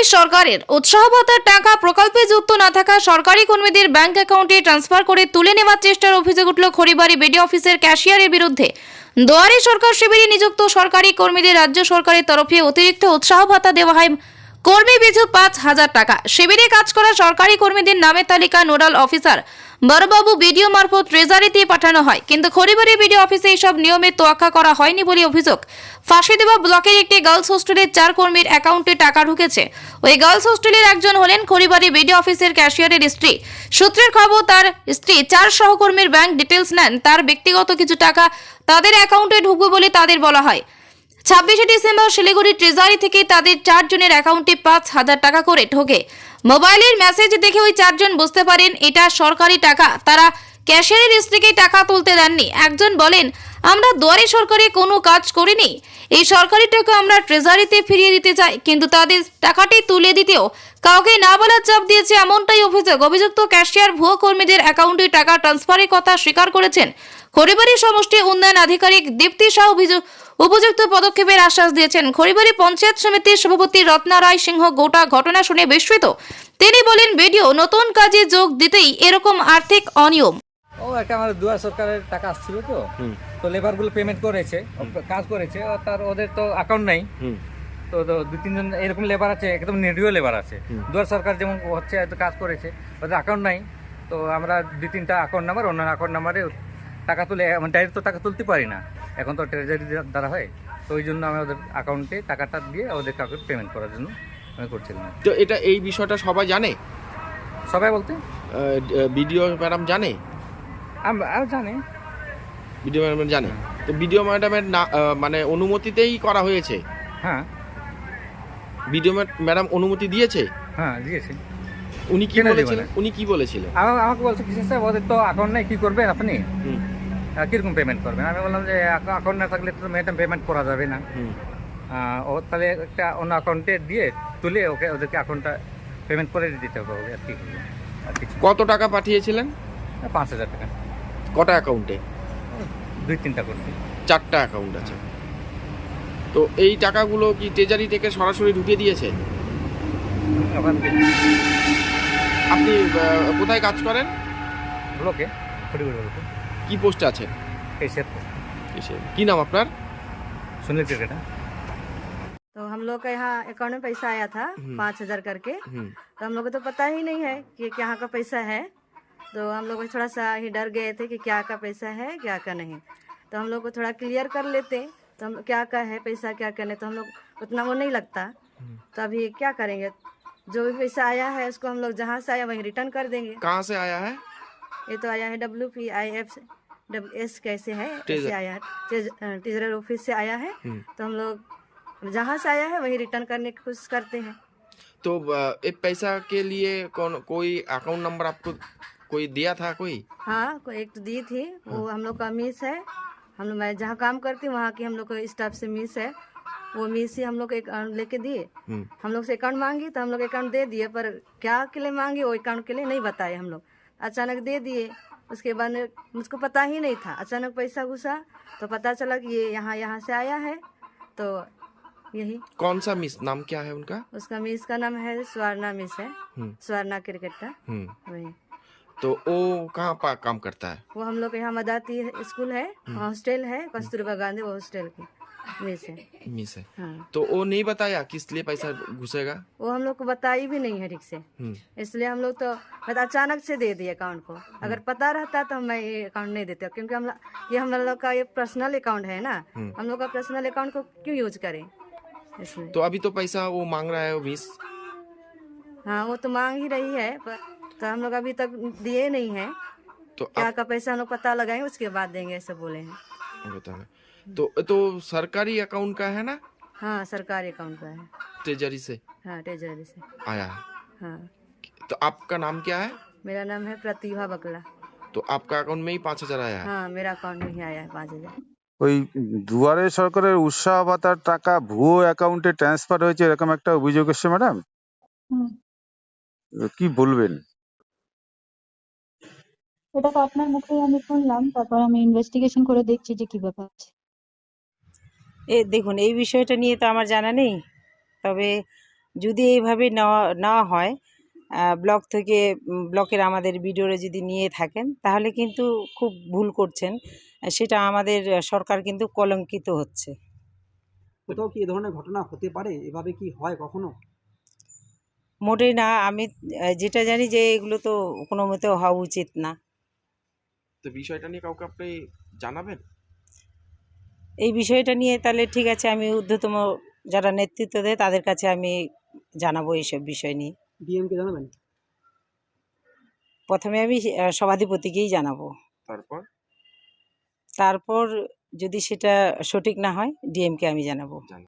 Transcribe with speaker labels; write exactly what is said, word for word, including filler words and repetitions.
Speaker 1: দুয়ারে সরকারের উৎসাহ ভাতার টাকা প্রকল্পে যুক্ত না থাকা সরকারি কর্মীদের ব্যাংক অ্যাকাউন্টে ট্রান্সফার করে তুলে নেওয়ার চেষ্টার অভিযোগ উঠল খড়িবাড়ি বিডি অফিসের ক্যাশিয়ারের বিরুদ্ধে। দুয়ারে সরকার শিবিরে নিযুক্ত সরকারি কর্মীদের রাজ্য সরকারের তরফে অতিরিক্ত উৎসাহ ভাতা দেওয়া হয় কর্মী পিছু পাঁচ হাজার টাকা। শিবিরে কাজ করা সরকারি কর্মীদের নামের তালিকা নোডাল অফিসার বড়বাবু বিডিও মারফত ট্রেজারিতে পাঠানো হয়, কিন্তু খড়িবাড়ি বিডিও অফিসে এইসব নিয়মের তোয়াক্কা করা হয়নি বলে অভিযোগ। ফাঁসি দেওয়া ব্লকের একটি গার্লস হোস্টেলের চার কর্মীর অ্যাকাউন্টে টাকা ঢুকেছে। ওই গার্লস হোস্টেলের একজন হলেন খড়িবাড়ি বিডিও অফিসের ক্যাশিয়ারের স্ত্রী। সূত্রের খবর, তার স্ত্রী চার সহকর্মীর ব্যাংক ডিটেলস নেন, তার ব্যক্তিগত কিছু টাকা তাদের অ্যাকাউন্টে ঢুকবে বলে তাদের বলা হয়। ছাব্বিশে ডিসেম্বর শিলিগুড়ি ট্রেজারি থেকে তাদের চারজনের অ্যাকাউন্টে পাঁচ হাজার টাকা করে ঢোকে। মোবাইলের মেসেজ দেখে ওই চারজন বুঝতে পারেন এটা সরকারি টাকা। তারা ক্যাশিয়ারের স্ত্রীকে টাকা তুলতে দেননি। একজন বলেন, আমরা দুয়ারে সরকারে কোনো কাজ করিনি, এই সরকারি টাকা আমরা ট্রেজারিতে ফিরিয়ে দিতে চাই, কিন্তু তাদের টাকাটি তুলে দিতেও কাউকে না বলার চাপ দিয়েছে, এমনটাই অভিযোগ। অভিযুক্ত ক্যাশিয়ার ভুয়ো কর্মীদের অ্যাকাউন্টে টাকা ট্রান্সফারের কথা স্বীকার করেছেন। খড়িবাড়ি সমষ্টি উন্নয়ন আধিকারিক দীপ্তি শাহ উপযুক্ত পদক্ষেপের আশ্বাস দিয়েছেন। খড়িবাড়ি পঞ্চায়েত সমিতির সভাপতি রত্না রায় সিংহ গোটা ঘটনা শুনে বিস্মিত। তিনি বলেন, ভিডিও নতুন কাজে যোগ দিতেই এরকম আর্থিক অনিয়ম।
Speaker 2: ও একটা আমাদের দুয়ার সরকারের টাকা আসছিল তো তো লেবার গুলো পেমেন্ট করেছে, কাজ করেছে, আর তার ওদের তো অ্যাকাউন্ট নাই। তো তো দুই তিনজন এরকম লেবার আছে, একদম নিরীহ লেবার আছে। দুয়ার সরকার যেমন হচ্ছে এত কাজ করেছে, ওদের অ্যাকাউন্ট নাই। তো আমরা দুই তিনটা অ্যাকাউন্ট নাম্বার, অন্য অ্যাকাউন্ট নাম্বারে টাকা তুলে ডাইরেক্ট তো টাকা তুলতে পারি না, এখন তো ট্রেজারি দ্বারা হয়। তো ওই জন্য আমি ওদের অ্যাকাউন্টে টাকাটা দিয়ে ওদের কাউকে পেমেন্ট করার জন্য আমি করছিলাম।
Speaker 3: তো এটা এই বিষয়টা সবাই জানে?
Speaker 2: সবাই বলতে
Speaker 3: বিডিও ম্যাডাম জানে?
Speaker 2: আমি জানি,
Speaker 3: বিডিও ম্যাডাম জানে। তো বিডিও ম্যাডামের না মানে অনুমতিতেই করা হয়েছে?
Speaker 2: হ্যাঁ,
Speaker 3: বিডিও ম্যাডাম অনুমতি দিয়েছে?
Speaker 2: হ্যাঁ দিয়েছে।
Speaker 3: উনি কি বলেছিলেন? উনি কি বলেছিলেন?
Speaker 2: আমাকে বলছে কিসের স্যার, ওদের তো অ্যাকাউন্ট নাই, কি করবেন আপনি, কিরকম পেমেন্ট করবেন? আমি বললাম যে অ্যাকাউন্ট না থাকলে তো ম্যাডাম পেমেন্ট করা যাবে না। ও তাহলে একটা অন্য অ্যাকাউন্টে দিয়ে তুলে ওকে ওদেরকে অ্যাকাউন্টটা পেমেন্ট করে দিতে হবে। আর কি করবে? আর কিছু।
Speaker 3: কত টাকা পাঠিয়েছিলেন?
Speaker 2: পাঁচ হাজার টাকা।
Speaker 3: কটা অ্যাকাউন্টে?
Speaker 2: দুই তিনটা করতে।
Speaker 3: চারটা অ্যাকাউন্ট আছে। তো এই টাকাগুলো কি ট্রেজারি থেকে সরাসরি ঢুকিয়ে দিয়েছে? আপনি কোথায় কাজ করেন?
Speaker 2: ব্লকে, খড়িবাড়ি ব্লকে।
Speaker 3: কি পোস্টে আছেন?
Speaker 2: कैशियर।
Speaker 3: কি নাম আপনার?
Speaker 2: सुनील क्रिकेटा।
Speaker 4: तो हम लोग का यहाँ अकाउंट में पैसा आया था पाँच हजार करके। तो हम लोग को तो पता ही नहीं है कि यहाँ का पैसा है। तो हम लोग थोड़ा सा ही डर गए थे कि क्या का पैसा है क्या का नहीं। तो हम लोग को थोड़ा क्लियर कर लेते तो हम क्या का है पैसा क्या करने, तो हम लोग उतना वो नहीं लगता। तो अभी क्या करेंगे, जो भी पैसा आया है उसको हम लोग जहाँ से आया वहीं रिटर्न कर देंगे।
Speaker 3: कहाँ से आया है?
Speaker 4: ये तो आया है W P I F W S कैसे है, ऐसे आया है, ट्रेजरर ऑफिस से आया है। तो हम लोग जहाँ से आया है वही रिटर्न करने की कोशिश करते हैं।
Speaker 3: तो ये पैसा के लिए कौन कोई अकाउंट नंबर आपको कोई दिया था? कोई
Speaker 4: हाँ, कोई एक तो दी थी, वो हम लोग का मिस है। हम लोग मैं जहाँ काम करती हूँ वहाँ की हम लोग को स्टाफ से मिस है, वो मिस ही हम लोग को अकाउंट लेके दिए। हम लोग से अकाउंट मांगी तो हम लोग अकाउंट दे दिए, पर क्या के लिए मांगे वो अकाउंट के लिए नहीं बताए। हम लोग अचानक दे दिए, उसके बाद मुझको पता ही नहीं था। अचानक पैसा घुसा तो पता चला कि ये यहाँ यहाँ से आया है। तो यही।
Speaker 3: कौन सा मिस, नाम क्या है उनका?
Speaker 4: उसका मिस का नाम है स्वर्णा मिस है, स्वर्णा क्रिकेटा वही।
Speaker 3: तो वो कहाँ पर काम करता है?
Speaker 4: वो हम लोग यहाँ मदाती स्कूल है, हॉस्टल है, कस्तूरबा गांधी, वो हॉस्टल की मिस है।
Speaker 3: मिस है।
Speaker 4: हाँ।
Speaker 3: तो वो नहीं बताया किस लिए पैसा घुसेगा?
Speaker 4: वो हम लोग को बताई भी नहीं है ठीक से, इसलिए हम लोग तो अचानक से दे दिए अकाउंट को। अगर पता रहता तो मैं ये अकाउंट नहीं देते, क्योंकि हम ये हम लोग का ये पर्सनल अकाउंट है ना, हम लोग का पर्सनल अकाउंट को क्यों यूज करें इसलिए।
Speaker 3: तो अभी तो पैसा वो मांग रहा है वो मिस?
Speaker 4: हाँ, वो तो मांग ही रही है, पर तो हम लोग अभी तक दिए नहीं है। तो क्या आप... का पैसा हम लोग पता लगाएंगे उसके बाद देंगे, ऐसा बोले हैं।
Speaker 3: तो तो सरकारी अकाउंट का है ना?
Speaker 4: हाँ, सरकारी अकाउंट का है,
Speaker 3: ट्रेजरी से।
Speaker 4: हाँ, ट्रेजरी से
Speaker 3: आया है।
Speaker 4: हाँ।
Speaker 3: तो आपका नाम क्या है?
Speaker 4: मेरा नाम है प्रतिभा बकला।
Speaker 3: तो आपका अकाउंट में ही पाँच हजार आया है?
Speaker 4: हाँ, मेरा अकाउंट में ही आया है पाँच हजार।
Speaker 5: ওই দুয়ারে সরকারের উৎসাহ ভাতার টাকা ভুয়ো অ্যাকাউন্টে ট্রান্সফার হয়েছে এরকম একটা অভিযোগ এসেছে ম্যাডাম, কি বলবেন?
Speaker 6: এটা তো আপনার মুখেই আমি শুনলাম, তারপর আমি ইনভেস্টিগেশন করে দেখছি যে কি ব্যাপার আছে।
Speaker 7: এ দেখুন, এই বিষয়টা নিয়ে তো আমার জানা নেই, তবে যদি এইভাবে নেওয়া নেওয়া হয় আহ, ব্লক থেকে উম, ব্লকের আমাদের বিডিওরা যদি নিয়ে থাকেন তাহলে কিন্তু খুব ভুল করছেন। আহ, সেটা আমাদের আহ, সরকার কিন্তু কলঙ্কিত হচ্ছে।
Speaker 8: কোথাও কি এ ধরনের ঘটনা হতে পারে? এভাবে কি হয় কখনো?
Speaker 7: মোটেই না। আমি আহ, যেটা জানি যে এগুলো তো কোনো মতেও হওয়া উচিত না।
Speaker 3: তো বিষয়টা নিয়ে কাউকে আপনি জানাবেন?
Speaker 7: এই বিষয়টা নিয়ে তাহলে ঠিক আছে, আমি ঊর্ধ্বতম যারা নেতৃত্ব দেয় তাদের কাছে আমি জানাবো এইসব বিষয় নিয়ে।
Speaker 8: ডিএম কে জানাবেন?
Speaker 7: প্রথমে আমি আহ, সভাধিপতিকেই জানাবো,
Speaker 3: তারপর
Speaker 7: তারপর যদি সেটা সঠিক না হয় ডিএমকে আমি জানাবো।
Speaker 3: জানাবেন।